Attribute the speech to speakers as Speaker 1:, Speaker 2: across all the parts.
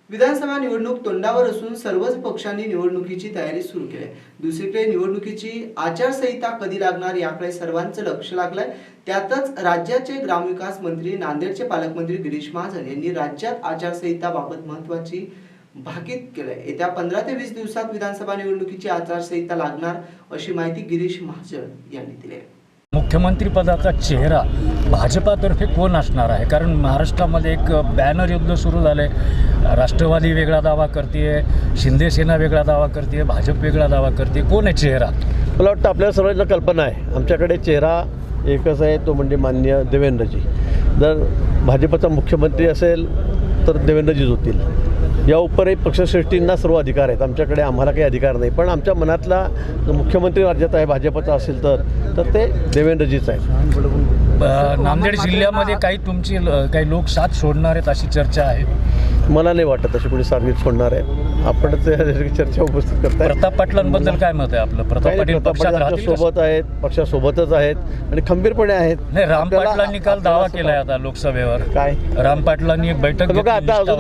Speaker 1: विधानसभा निवडणूक तोंडावर असून सर्वच पक्षांनी निवडणुकीची तयारी सुरू केली आहे। दुसरीकडे निवडणुकीची आचारसंहिता कधी लागणार याकडे सर्वांचं लक्ष लागलंय। त्यातच राज्याचे ग्रामविकास मंत्री नांदेडचे पालकमंत्री गिरीश महाजन यांनी राज्यात आचारसंहिताबाबत महत्त्वाची भाकीत केलंय। येत्या 15 ते 20 दिवसात विधानसभा निवडणुकीची आचारसंहिता लागणार अशी माहिती गिरीश महाजन यांनी दिली आहे।
Speaker 2: मुख्यमंत्री पदाचा चेहरा भाजपातर्फे कोण असणार आहे? कारण महाराष्ट्रामध्ये एक बॅनर युद्ध सुरू झाले। राष्ट्रवादी वेगळा दावा करते, शिंदे सेना वेगळा दावा करते, भाजप वेगळा दावा करते। कोण आहे चेहरा?
Speaker 3: मला वाटतं आपल्याला सर्वांना कल्पना आहे, आमच्याकडे चेहरा एकच आहे, तो म्हणजे माननीय देवेंद्रजी। जर भाजपचा मुख्यमंत्री असेल तर देवेंद्रजीच होतील। या उपरही पक्षश्रेष्ठींना सर्व अधिकार आहेत, आमच्याकडे आम्हाला काही अधिकार नाही। पण आमच्या मनातला मुख्यमंत्री राज्यात आहे भाजपचा असेल तर ते देवेंद्रजीच आहेत।
Speaker 2: नांदेड जिल्ह्यामध्ये काही लोक साथ सोडणार आहेत अशी चर्चा आहे।
Speaker 3: मला नाही वाटत अशी कोणी सार्वजनिक सोडणार आहे। आपण चर्चा उपस्थित करताय।
Speaker 2: प्रताप पाटलांबद्दल काय मत आहे आपलं? प्रताप पाटील
Speaker 3: पक्षासोबत आहेत, पक्षासोबतच आहेत आणि खंबीरपणे आहेत।
Speaker 2: नाही, राम पाटलांनी काल दावा केलाय आता लोकसभेवर।
Speaker 3: काय
Speaker 2: राम पाटलांनी एक बैठक
Speaker 3: बघा,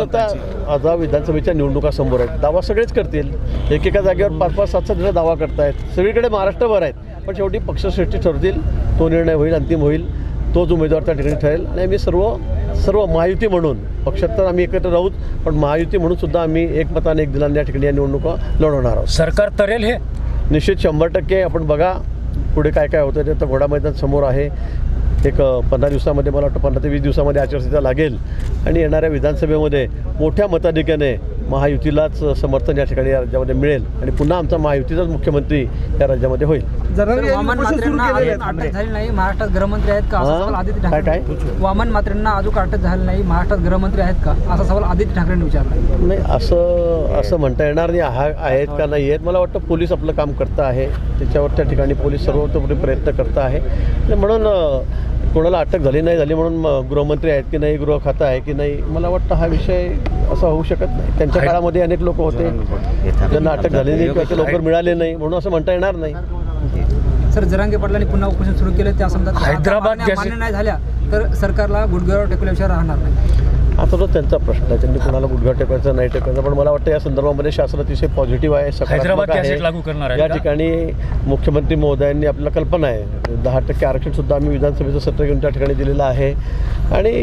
Speaker 3: आता विधानसभेच्या निवडणुका समोर आहेत, दावा सगळेच करतील। एकेका जागेवर 5-5, 7-7 दावा करतायत, सगळीकडे महाराष्ट्रभर आहेत। पण शेवटी पक्षश्रेष्ठी ठरतील, तो निर्णय होईल, अंतिम होईल, तोच उमेदवार त्या ठिकाणी ठरेल। आणि आम्ही सर्व महायुती म्हणून, पक्षात तर आम्ही एकत्र राहूत, पण महायुती म्हणून सुद्धा आम्ही एकमताने एक दिलाने या ठिकाणी या निवडणुका लढवणार आहोत।
Speaker 2: सरकार तरेल हे
Speaker 3: निश्चित 100%। आपण बघा पुढे काय काय होतं ते, तर घोडा मैदान समोर आहे। एक 15 दिवसामध्ये, मला वाटतं 15 ते 20 दिवसामध्ये आचारसंहिता लागेल आणि येणाऱ्या विधानसभेमध्ये मोठ्या मताधिक्याने महायुतीलाच समर्थन या ठिकाणी या राज्यामध्ये मिळेल आणि पुन्हा आमचा महायुतीचाच मुख्यमंत्री या राज्यामध्ये होईल।
Speaker 4: वामन मात्रेंना अटक झाली नाही, महाराष्ट्रात गृहमंत्री आहेत का असा सवाल आदित्य ठाकरे
Speaker 3: काय
Speaker 4: वामन मात्रेंना अजून अटक झाली नाही, महाराष्ट्रात गृहमंत्री आहेत का असा सवाल आदित्य ठाकरेंनी विचारला।
Speaker 3: नाही, असं म्हणता येणार नाही आहेत का नाही आहेत। मला वाटतं पोलीस आपलं काम करतं आहे, त्याच्यावर त्या ठिकाणी पोलीस सर्वतोपरी प्रयत्न करत आहे। म्हणून कोणाला अटक झाली नाही झाली म्हणून गृहमंत्री आहेत की नाही, गृह खातं आहे की नाही, मला वाटतं हा विषय असा होऊ शकत नाही। त्यांच्या काळामध्ये अनेक लोक होते ज्यांना अटक झाली नाही किंवा ते लवकर मिळाले नाही, म्हणून असं म्हणता येणार नाही।
Speaker 4: सर, जरांगे पाटलांनी पुन्हा उपोषण सुरू केलं, त्या समजा
Speaker 2: हैदराबाद
Speaker 4: मान्य नाही झाल्या तर सरकारला गुडघ्यावर टेकल्याशिवाय राहणार नाही।
Speaker 3: आता तो त्यांचा प्रश्न आहे, त्यांनी कोणाला गुडघा टेकायचा नाही टेकायचा। पण मला वाटतं या संदर्भामध्ये शासन अतिशय पॉझिटिव्ह आहे, सकारात्मक आहे।
Speaker 2: लागू करणार आहे
Speaker 3: या ठिकाणी मुख्यमंत्री महोदयांनी आपल्याला कल्पना आहे 10% आरक्षणसुद्धा आम्ही विधानसभेचं सत्र घेऊन त्या ठिकाणी दिलेलं आहे आणि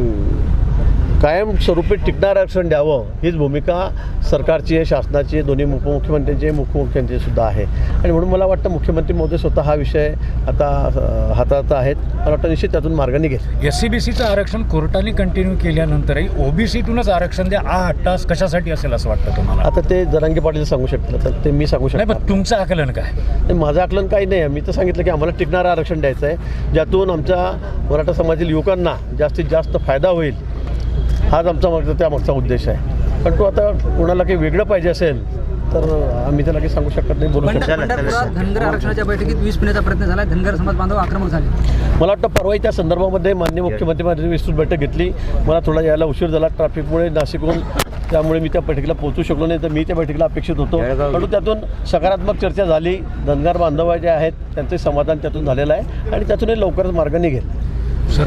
Speaker 3: कायमस्वरूपी टिकणारं आरक्षण द्यावं हीच भूमिका सरकारची आहे, शासनाची आहे, दोन्ही उपमुख्यमंत्र्यांची आहे, मुख्यमंत्र्यांची सुद्धा आहे। आणि म्हणून मला वाटतं मुख्यमंत्री महोदय स्वतः हा विषय आता हाताळत आहेत। मला वाटतं निश्चित त्यातून मार्ग निघेल।
Speaker 2: SCBCचं आरक्षण कोर्टाने कंटिन्यू केल्यानंतरही OBCतूनच आरक्षण द्या हा हट्टास कशासाठी असेल असं वाटतं तुम्हाला?
Speaker 3: आता ते जरांगे पाटील सांगू शकतील, तर ते मी सांगू शकतो
Speaker 2: नाही। पण तुमचं आकलन काय?
Speaker 3: नाही, माझं आकलन काही नाही आहे। मी तर सांगितलं की आम्हाला टिकणारं आरक्षण द्यायचं आहे, ज्यातून आमच्या मराठा समाजातील युवकांना जास्तीत जास्त फायदा होईल, हाच आमचा त्यामागचा उद्देश आहे। पण तो आता कोणाला काही वेगळं पाहिजे असेल तर आम्ही त्याला काही सांगू शकत नाही, बोलू शकत नाही।
Speaker 4: पंढरपुरात धनगर आरक्षणाच्या बैठकीत विष पिण्याचा प्रयत्न झाला, धनगर समाज बांधव आक्रमक झाले।
Speaker 3: मला वाटतं परवाही त्या संदर्भामध्ये माननीय मुख्यमंत्र्यांनी विस्तृत बैठक घेतली। मला थोडा यायला उशीर झाला ट्रॅफिकमुळे नाशिकहून, त्यामुळे मी त्या बैठकीला पोहोचू शकलो नाही, तर मी त्या बैठकीला अपेक्षित होतो। परंतु त्यातून सकारात्मक चर्चा झाली, धनगर बांधव जे आहेत त्यांचे समाधान त्यातून झालेलं आहे आणि त्यातूनही लवकरच मार्ग निघेल।